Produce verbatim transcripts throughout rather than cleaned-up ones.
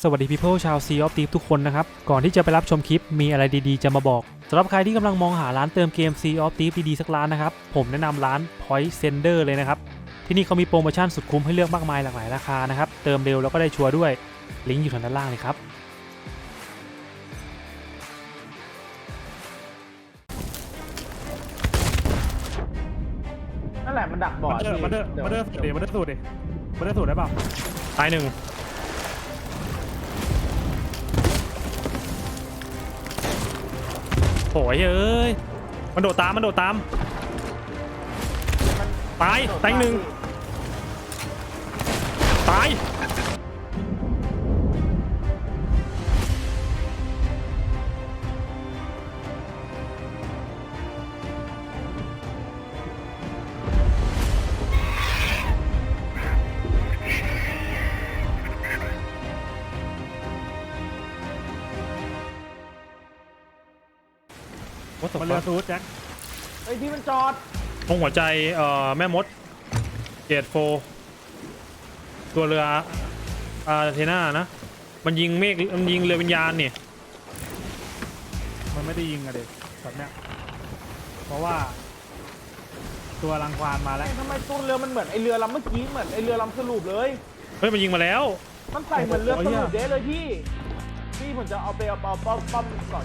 สวัสดี people ชาว Sea of Thieves ทุกคนนะครับก่อนที่จะไปรับชมคลิปมีอะไรดีๆจะมาบอกสำหรับใครที่กำลังมองหาร้านเติมเกม Sea of Thieves ดีๆสักร้านนะครับผมแนะนำร้าน Point Sender เลยนะครับที่นี่เขามีโปรโมชั่นสุดคุ้มให้เลือกมากมายหลากหลายราคานะครับเติมเร็วแล้วก็ได้ชัวร์ด้วยลิงก์อยู่ทางด้านล่างเลยครับนั่นแหละมันดักบอดมาเดอร์มาเดอร์มาเดอร์สูดดิมาเดอร์สูดดิมาเดอร์สูดได้เปล่าตายหนึ่งโอ้ยเอ้ยมันโดดตามมันโดดตามตายตายหนึ่งตายมาเรือสูดแจ็คไอ้ที่มันจอดตรงหัวใจเอ่อแม่มดเกตโฟตัวเรืออาร์เทน่านะมันยิงเมฆมันยิงเรือวิญญาณเนี่ยมันไม่ได้ยิงอะเด็กแบบเนี้ยเพราะว่าตัวรังควานมาแล้วทำไมตัวเรือมันเหมือนไอเรือลำเมื่อกี้เหมือนไอเรือลำสรุปเลยเฮ้ยมันยิงมาแล้วมันใส่เหมือนเรือสรุปเด้เลยพี่พี่ผมจะเอาไปเอาเอาป้อมป้อมก่อน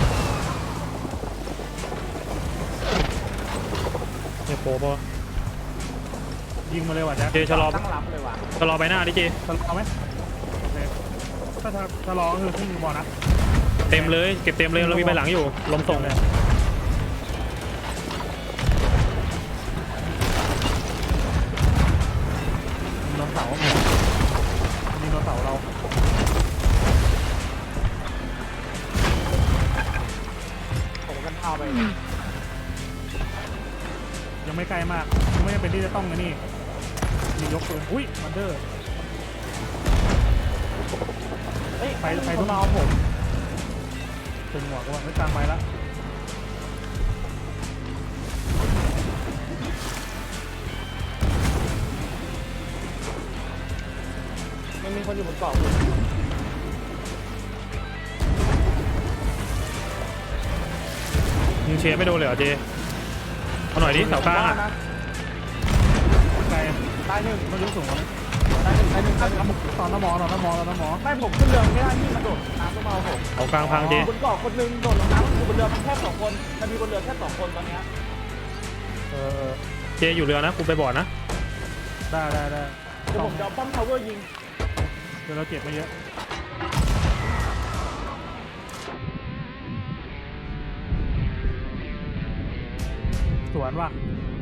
เนี่ยโปปะยิงมาเลยว่ะแจ็คเจชะลอตั้งรับเลยว่ะชะลอไปหน้าดิเจชะลอไหมโอเคถ้าชะลอก็คือขึ้นบอลนะเต็มเลยเก็บเต็มเลยเรามีใบหลังอยู่ลมส่งเลยยิงโดนเสายิงโดนเสาเราผมกันเท้าไปยังไม่ใกล้มากยังไม่จำเป็นที่จะต้องนะนี่มียกปืนอุ้ยมันเดอร์เฮ้ยไปไปคทุนกมาเอาผมตึงหัวกูว่าไม่กลางไปละมันมีคนอยู่บนเกาะผมยิงเชฟไม่โดนเลยเหรอเจเอาหน่อยดิเสากลางอ่ะนะไกลตายหนึ่งต้องยกสูงกว่านี้ตายหนึ่งตายหนึ่งตายหนึ่งตอนน้ำมอตอนน้ำมอตอนน้ำมอไม่ผมขึ้นเรือไม่ได้พี่มันโดดน้ำก็มาเอาผมเอากลางพังเจบนเกาะคนนึงโดดลงน้ำอยู่บนเรือมันแค่สองคนมันมีบนเรือแค่สองคนตอนเนี้ยเออเจอยู่เรือนะกูไปบอร์ดนะได้ได้ได้เดี๋ยวผมจะเอาป้อมทาวเวอร์ยิงเดี๋ยวเราเจ็บไม่เยอะสวนว่ะ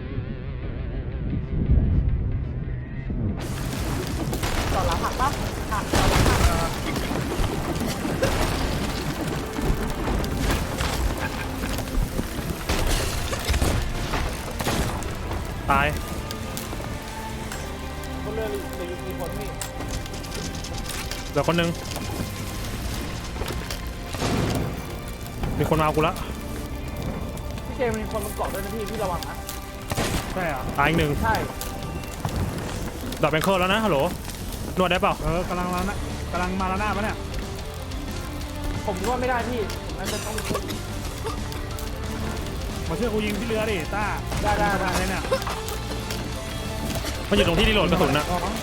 ต่อหลังหักปะหักต่อหลังหักตายบนเรือหรือหรือมีคนพี่เหลือคนนึงมีคนมาเอากูละพี่เจมีคนบนเกาะด้วยนะพี่พี่ระวังนะใช่เหรอตายอีกหนึ่งใช่ดอกแบงเคิลแล้วนะฮัลโหลนวดได้เปล่าเออกำลังแล้วนะกำลังมาแล้วหน้าปะเนี่ยผมก็ไม่ได้พี่ผมน่าจะต้องมาช่วยกูยิงที่เรือดิต้าได้ได้ได้ได้เลยเนี่ยมันอยู่ตรงที่ที่โหลดกระสุนนะ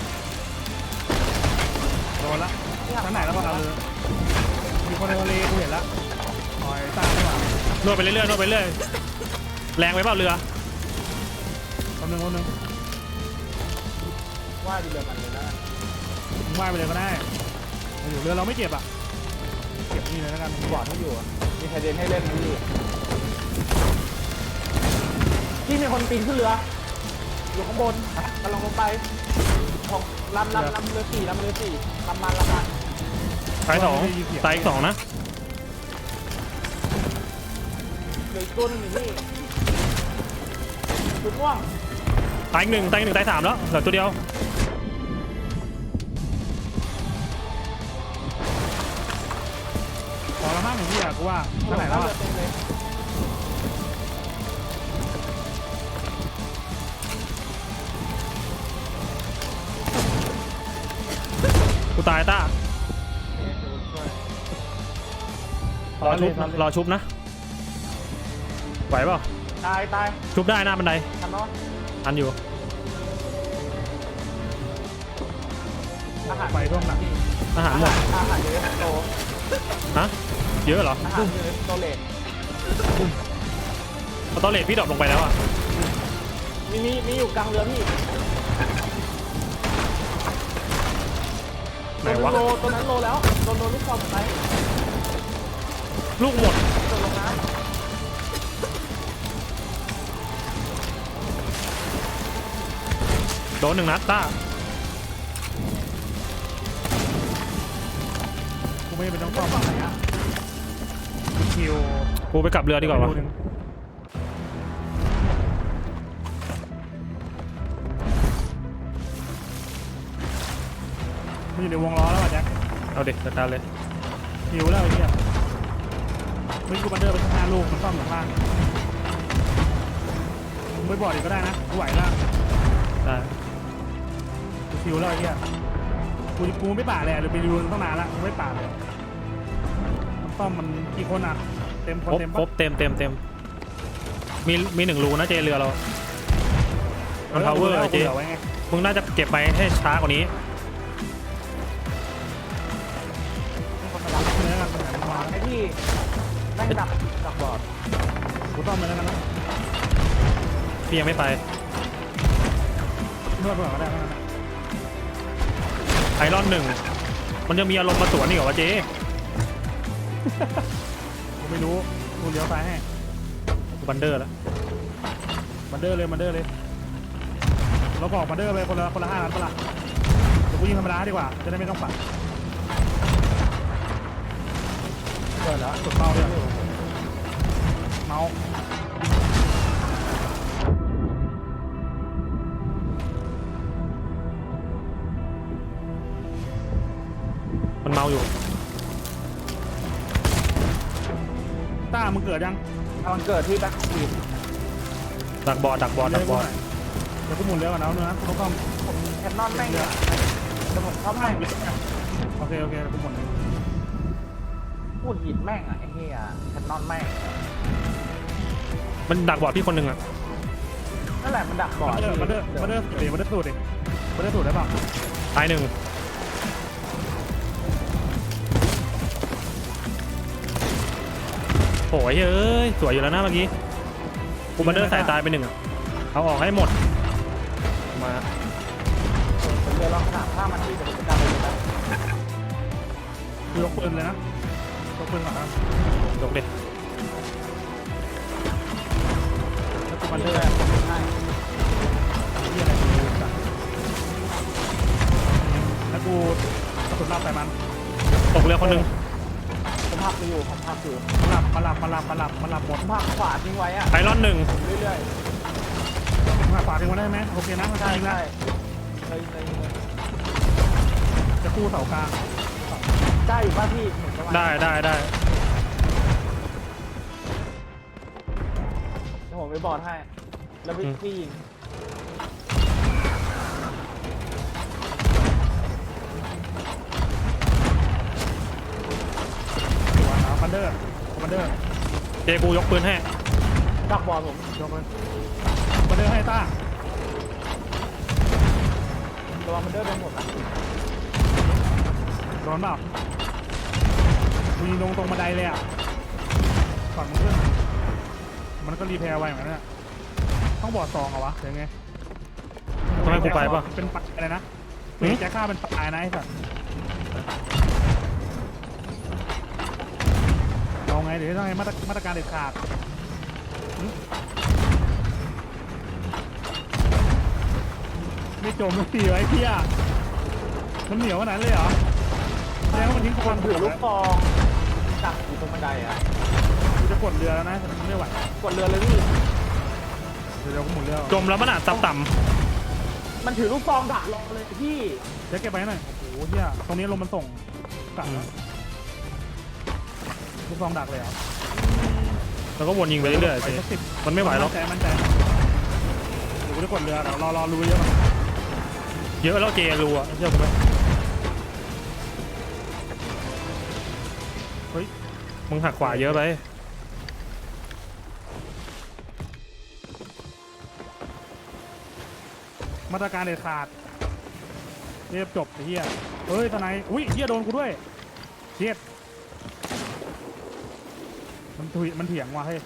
โดนละชั้นไหนแล้วบ้างเรือมีคนในทะเลกูเห็นละหอยต้าไม่หว่านวดไปเรื่อยๆนวดไปเรื่อยแรงไปเปล่าเรือคนหนึ่งคนหนึ่งว่าดีเรือมันเลยนะมึงว่ายไปเลยก็ได้มาอยู่เรือเราไม่เจ็บอ่ะเก็บนี่เลยแล้วกันบอดไม่อยู่อะมีใครเดินให้เล่นไหมพี่พี่มีคนปีนขึ้นเรืออยู่ข้างบนกำลังลงไปของลำลำลำเรือสี่ลำเรือสี่ลำมันลำมันตายสองตายอีกสองนะเหลืออีกตัวหนึงอยู่พี่จุดม่วงตายอีกหนึ่งตายอีกหนึ่งตายสามแล้วเหลือตัวเดียวขอละมั่งอย่างที่อยากกูว่าชั้นไหนแล้วเรือ่ะอเต็มเลยกูตายต้ารอชุบรอชุบนะไหวเปล่าตายตายชุบได้หน้าบันไดทันเนาะทันอยู่อาหารไปร่วมหนักอาหารหมดอาหารเยอะโตฮะเยอะเหรออาหารเยอะโตเลทพอตอนเลทพี่ดรอปลงไปแล้วอ่ะมีมีมีอยู่กลางเรือพี่ไหนวะโลตัวนั้นโลแล้วโดนโดนลูกบอลไหมลูกหมดโดนลงน้โดนหนึ่งนัดต้ากูไม่เป็นต้องซ่อมอะไรอ่ะคิวกูไปกลับเรือดีกว่าวะมันอยู่ในวงล้อแล้วอ่ะแจ็คเอาเด็กจัดการเลยคิวแล้วไอ้เหี้ยมึงกูบันเดอร์ไปข้างหน้าลูกมันซ่อมอยู่ข้างล่างมึงไม่บอกอีกก็ได้นะกูไหวแล้วได้กูคิวแล้วไอ้เหี้ยกูกูไม่ป่าเลยหรือไปดูตั้งนานละกูไม่ป่าเลยมันซ่อมมันกี่คนอ่ะเต็มคคน รบเต็มครบเต็มเต็มเต็มมีมีหนึ่งรูนะเจเรือเรามันพาวเวอร์เจไว้ไงมึงน่าจะเก็บไปให้ช้ากว่านี้คนมารับเนื้อกันมันมาำไอ้ที่แม่งดักดักบอดกูซ่อมไปแล้วกันนะพี่ยังไม่ไปนวดก่อนก็ได้นะไอรอนหนึ่งมันจะมีอารมณ์มาสวนนี่เหรอวะเจกูไม่รู้กูเลี้ยวซ้ายให้บันเดอร์แล้วบันเดอร์เลยบันเดอร์เลยเราบอกบันเดอร์ไปคนละคนละห้าล้านปะล่ะเดี๋ยวกูยิงธรรมดาดีกว่าจะได้ไม่ต้องปัดเกิดแล้วกดเมาส์ด้วยเมาส์มันเมาอยู่ต้ามึงเกิดยังมันเกิดที่แบ็คทีมดักบอดดักบอดดักบอดเดี๋ยวกูหมุนเรือก่อนนะเนื้อกูต้องซ่อมผมแคนนอนแม่งเนี่ยแต่ผมชอบแม่งโอเคโอเคกูหมุนพูดหินแม่งอ่ะไอ้เหี้ยแคนนอนแม่งมันดักบอดพี่คนหนึ่งอ่ะนั่นแหละมันดักบอดบันเดอร์บันเดอร์บันเดอร์เดี๋ยวบันเดอร์สูดดิบันเดอร์สูดได้ป่ะตายหนึ่งโอ้ยเอ้ยสวยอยู่แล้วนะเมื่อกี้กูบันเดอร์ใส่ตายไปหนึ่งอ่ะเอาออกให้หมดมาผมเรือลองถามถ้ามันที่จะเป็นการเลยนะคือยกปืนเลยนะยกปืนก่อนนะยกเด็แล้วกูมับันนเรืเดออร์ใช่ที่อะไรกูแล้วกูกระสุนรับใส่มันตกเรือคนหนึ่งผมพักอยู่ผมพักอยู่มาหลับมาหลับมาหลับมาหลับมาหลับหมผดมพักขวาทิ้งไว้อ่ะไอรอนหนึ่งเรื่อยมาฝากทิ้งไว้ได้ไหมโอเคนะๆมันใช่ยิงนะใช่เลยเลยเลยจะกู้เสากลางได้อยู่ป่ะพี่เหมือนประมาณได้ได้ได้เดี๋ยวผมไปบอดให้แล้วพี่พี่ยิงตัวนะบันเดอร์บันเดอร์เจกูยกปืนให้ดักบอดผมยกเลยบันเดอร์ให้ต้าระวังมันเดินไปหมดอ่ะโดนเปล่ามีลงตรงบันไดเลยอ่ะฝั่งมันขึ้นมันก็รีแพร์ไว้เหมือนกันเนี่ยต้องบอดซองเหรอวะหรือไงต้องให้กูไปป่ะเป็นปลายอะไรนะหืมแจ็คฆ่าเป็นปลายนะไอ้สัตว์เอาไงเดี๋ยวต้องให้มาตรมาตรการเด็ดขาดหึไม่จมไม่ตีไว้เพี่ยมันเหนียวขนาดนั้นเลยเหรอแสดงว่ามันทิ้งคคนนถือลูกฟองดักอยู่ตรงบันไดอ่ะกูจะกดเรือแล้วนะแต่มันไม่ไหวกดเรือเลยพี่เดี๋ยวเดี๋ยวกูหมุนเรือจมแล้วมันอาจต่ำมันถือลูกฟองดักรอเลยพี่แจ็คเก็บไปหน่อยโอ้โหเฮียตรงนี้ลมมันส่งกลับแล้วลูกซองดักเลยเหรอๆแล้วก็วนยิงไปเรื่อยๆไปเจสักสิบมันไม่ไหวหรอกมั่นใจมั่นใจเดี๋ยวกูจะกดเรือเดี๋ยวรอรอรู้เยอะมันเยอะแล้วเจรู้อ่ะเชื่อผมไหมเฮ้ยมึงหักขวาเยอะไปมาตรการเด็ดขาดเรียบจบไอ้เหี้ยเฮ้ยทนายอุ้ยเหี้ยโดนกูด้วยเชียดมันถุยมันเถียงว่ะเฮ้ย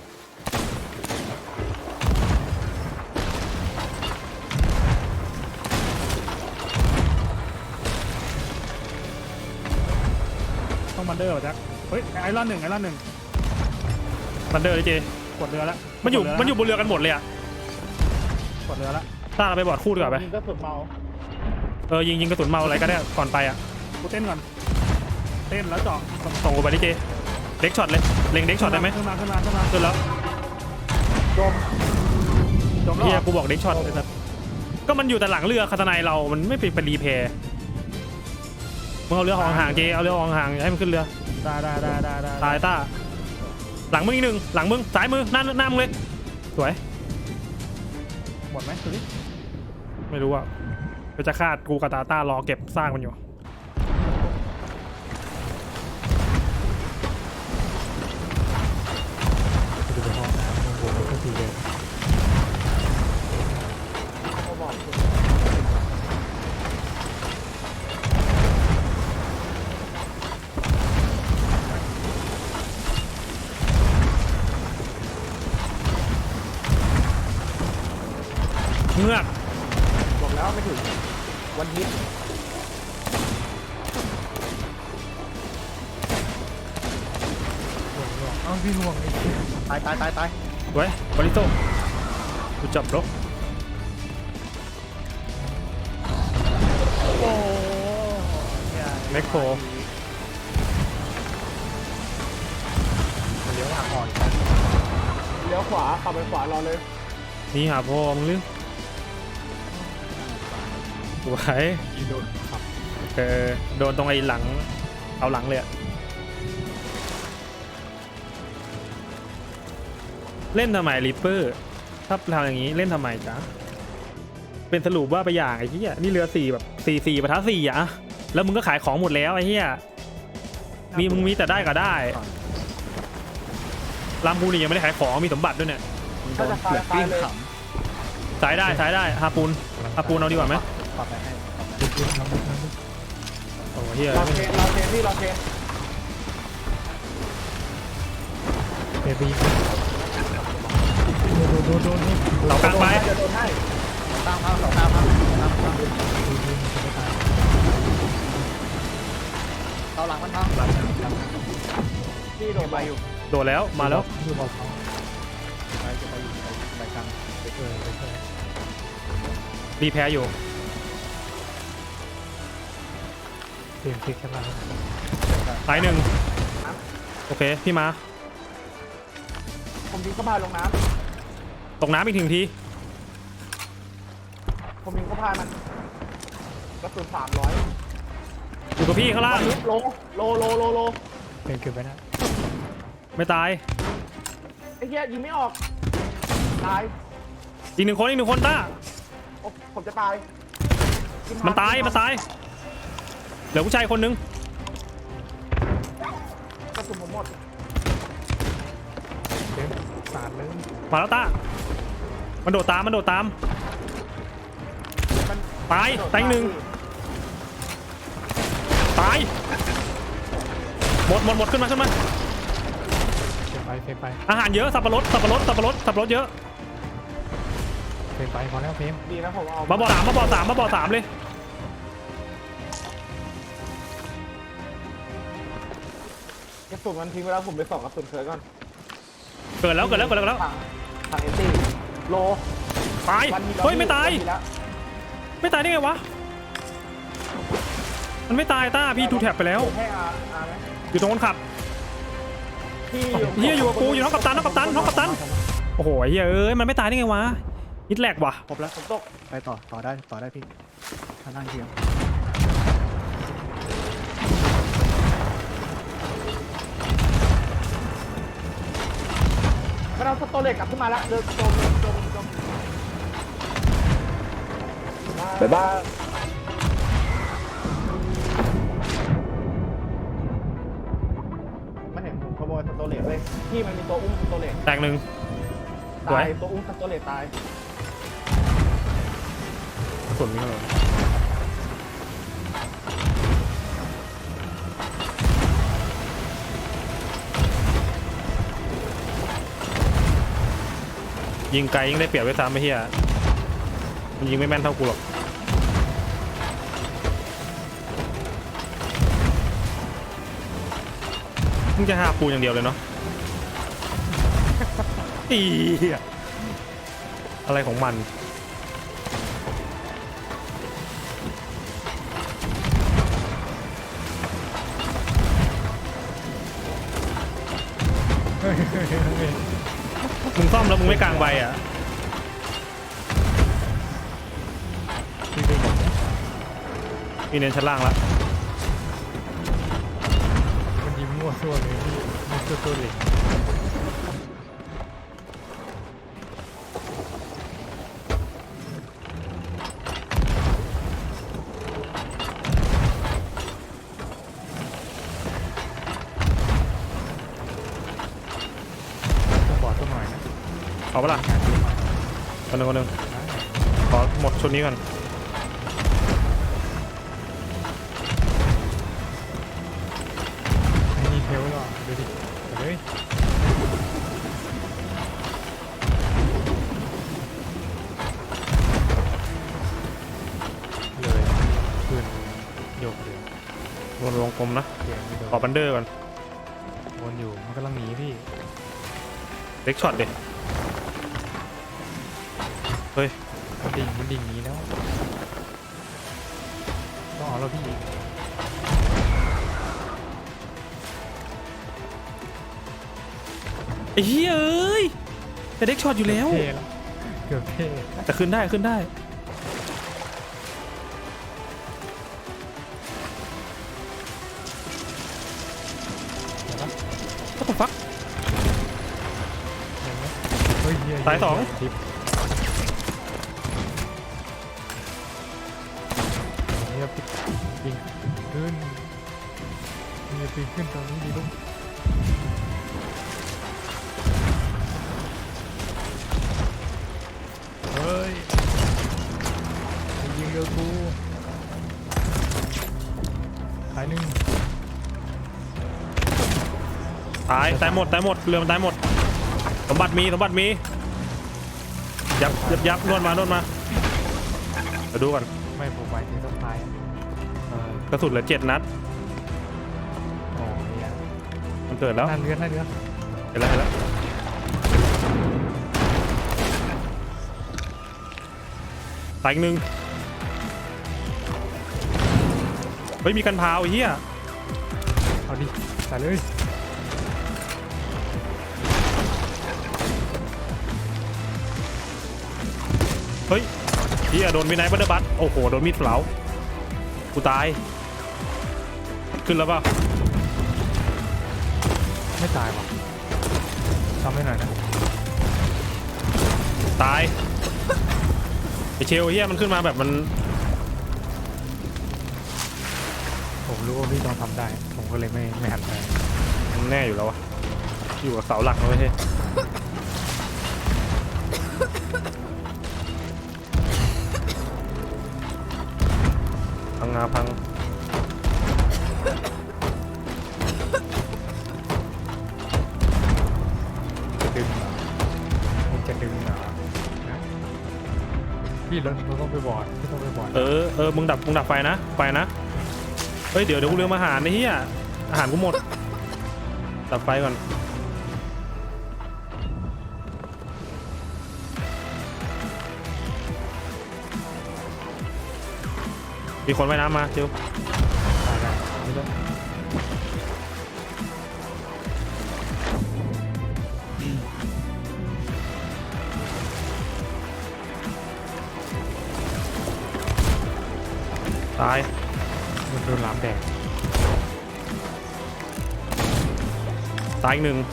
ต้องบันเดอร์เหรอแจ็คเฮ้ยไอรอนหนึ่งไอรอนหนึ่งบันเดอร์เลยเจกดเรือแล้วมันอยู่กดเรืมันอยู่บนเรือกันหมดเลยอะกดเรือแล้วต้าเราไปบอร์ดคู่ดีกว่าไปยิงก็สุดเมาเออยิงยิงกระสุนเมาอะไรก็ได้ก่อนไปอะกูเต้นก่อนเต้นแล้วเจาะส่งกูไปดิเจเด็กช็อตเลยเล็งเด็กช็อตได้ไหมขึ้นมาขึ้นมาขึ้นมาขึ้นแล้วจมจบแล้วเฮียเหรอกูบอกเด็กช็อตเลยนะก็มันอยู่แต่หลังเรือคาตาไนเรามันไม่เป็นเป็นรีเพย์มึงเอาเรือออกห่างๆเจเอาเรือออกห่างๆอย่าให้มันขึ้นเรือได้ได้ได้ได้ได้ตายต้าหลังมึงอีกหนึ่งหลังมึงซ้ายมือหน้าหน้ามึงเลยสวยหมดไหมดูดิไม่รู้อะไปจะคาดกูกับตาต้ารอเก็บซากมันอยู่ดูไปห้องน้ำห้องโถงก็สีแดงเขาบอกเงือกบอกแล้วไม่ถึงวันฮิตเอาพี่ห่วงอีกตายตายตายตายไว้บริโต้กูจับรถโอ้แม็กโครเลี้ยวหักอ่อนเลี้ยวขวาขับไปขวารอเลยนี่หาพ่อมึงหรือไหวยิงโดนขับเออโดนตรงไอ้หลังเอาหลังเลยอะเล่นทำไมริปเปอร์ถ้าทำอย่างนี้เล่นทำไมจ๊ะเป็นสรุปว่าไปอย่างไอ้เหี้ยนี่เรือสี่แบบสี่สี่ประทัดสี่อะแล้วมึงก็ขายของหมดแล้วไอ้เหี้ยมีมึงมีแต่ได้ก็ได้ลำพูนี่ยังไม่ได้ขายของมีสมบัติด้วยเนี่ยถ้าจะคลายคลายเลยสายได้สายได้ฮาปูนฮาปูนเอาดีกว่าไหมปรับไปให้โอ้เหี้ยเราเทนเราเทนพี่เราเทนเบบี้โดนโดนโดนเสากลางไปจะโดนให้ตั้งพักสองตั้งพักตั้งพักเอาหลังมันพังพี่โดนไปอยู่โดดแล้วมาแล้วไปจะไปอยู่ไปกลางรีแพ้อยู่เปลี่ยนคลิกขึ้นมาสายหนึ่งโอเคพี่มาผมยิงเข้าพายลงน้ตกน้ำอีกถึงทีำผมยิงเข้าพายมันกระสุนสามร้อยอยู่กับพี่ข้างล่างโลโลโลโลโลเป็นเก็บไว้นะไม่ตายไอ้เหี้ยยิงไม่ออกตายอีกหนึ่งคนอีกหนึ่งคนต้าโอ้ผมจะตายกิมันตายมันตายเหลือผู้ชายคนนึงกระสุนผมหมดเล่นสาดเลยมาแล้วต้ามันโดดตามมันโดดตามมันตายตายอีกหนึ่งตายหมดหมดหมดขึ้นมาขึ้นมาเฟนไปเฟนไปอาหารเยอะสับปะรดสับปะรดสับปะรดสับปะรดเยอะเฟนไปพอแล้วเฟนดีนะผมเอามาบ่อสามมาบ่อสามมาบ่อสามเลยกระสุนมันทิ้งไปแล้วผมไปส่องกระสุนเคยก่อนเกิดแล้วเกิดแล้วเกิดแล้วทางทางเอตี้โลตายวันนี้เฮ้ยไม่ตายวันนี้แล้วไม่ตายได้ไงวะมันไม่ตายต้าพี่ทูแท็บไปแล้วให้อาอาไหมอยู่ตรงคนขับพี่เฮียอยู่กับกูอยู่น้องกัปตันน้องกัปตันน้องกัปตันโอ้โหเฮียเอ้ยมันไม่ตายได้ไงวะฮิตแลกว่ะครบแล้วผมตกไปต่อต่อได้ต่อได้พี่ถ้านั่งเทียมมันเอาสโตเล็กกลับขึ้นมาแล้วเดินจมจมจมบ๊ายบายไม่เห็นผมขโมยสโตเลตเลยพี่มันมีตัวอุ้มสโตเลตแตกหนึ่ง สวยตายตัวอุ้มสโตเลตตายกระสุนมีเท่าไหร่ยิงไกลยิงได้เปรียบไว้ซ้ำไม่เฮียมันยิงไม่แม่นเท่ากูหรอกมึงจะหาปูอย่างเดียวเลยเนาะ อีอะไรของมันมึงซ่อมแล้วมึงไม่กลางใบอ่ะมีเน้นชั้นล่างแล้วมันยิงมั่วซั่วเลยพี่มั่วซั่วตัวเหล็ก ต้องบอดตัวหน่อยนะเอาปะล่ะคนหนึ่งคนหนึ่งขอหมดชุดนี้ก่อนไอ้นี่เทลหรอดูดิไปเลยเลยขึ้นโยกเลยวนวงกลมนะเสียงไม่โดนขอบันเดอร์ก่อนวนอยู่มันกำลังหนีพี่เล็กช็อตดิเฮ้ยมันดิ่งมันดิ่งหนีแล้วต้องเอาแล้วพี่ไอ้เฮ้ยเอ้ยแต่เล็กช็อตอยู่แล้วเท่แล้วเกือบเท่แต่ขึ้นได้ขึ้นได้ก็ต้องฟักเห็นไหมเฮ้ยเหี้สายสองทิปเฮียปิดปิงขึ้นเฮียปิงขึ้นตรงนี้ดีลูกเฮ้ยมึงยิงเรือกูหายหนึ่งตายตายหมดตายหมดเรือมันตายหมดสมบัติมีสมบัติมียับยับยับนวดมานวดมามาดูก่อนไม่ผมหมายถึงต้องตายอะเอ่อกระสุนเหลือเจ็ดนัดโอ้ยอะมันเกิดแล้วหน้าเรือหน้าเรือเห็นแล้วเห็นแล้วตายอีกหนึ่งเฮ้ยมีกันพาวไอ้เหี้ยเอาดิใส่เลยเฮ้ยเหี้ยโดนมีไนท์บัตเตอร์บัตโอ้โหโดนมีดเปล่ากูตายขึ้นแล้วเปล่าไม่ตายว่ะทำให้หน่อยนะตายไอเชลเฮียมันขึ้นมาแบบมันผมรู้ว่าพี่ต้องทำได้ ผมก็เลยไม่ไม่หันไปมันแน่อยู่แล้ววะอยู่กับเสาหลักนะไม่ใช่พังงาพังจะดึงเหรอผมจะดึงเหรอนะพี่เราเราต้องไปบอดพี่ต้องไปบอดเออเออมึงดับมึงดับไฟนะไฟนะเฮ้ยเดี๋ยวเดี๋ยวกูลืมอาหารนะเฮียอาหารกูหมดดับไฟก่อนมีคนว่ายน้ำมาเจียวตายได้ไม่ต้องตายมันโดนหลามแดงตายอีกหนึ่ง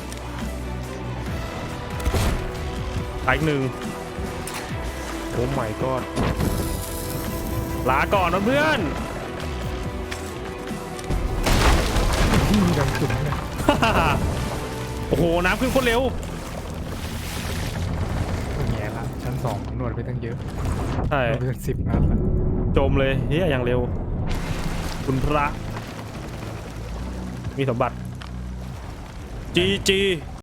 ตายอีกหนึ่งโอ้ไม่ก็ลาก่อนนะเพื่อนพี่ดังจุดเนี่ยโอ้โหน้ำขึ้นโคตรเร็วก็แง่ละชั้นสองหนวดไปตั้งเยอะใช่หนวดไปตั้งสิบนัดละจมเลยเฮียอย่างเร็ว คุณพระมีสมบัติจีจี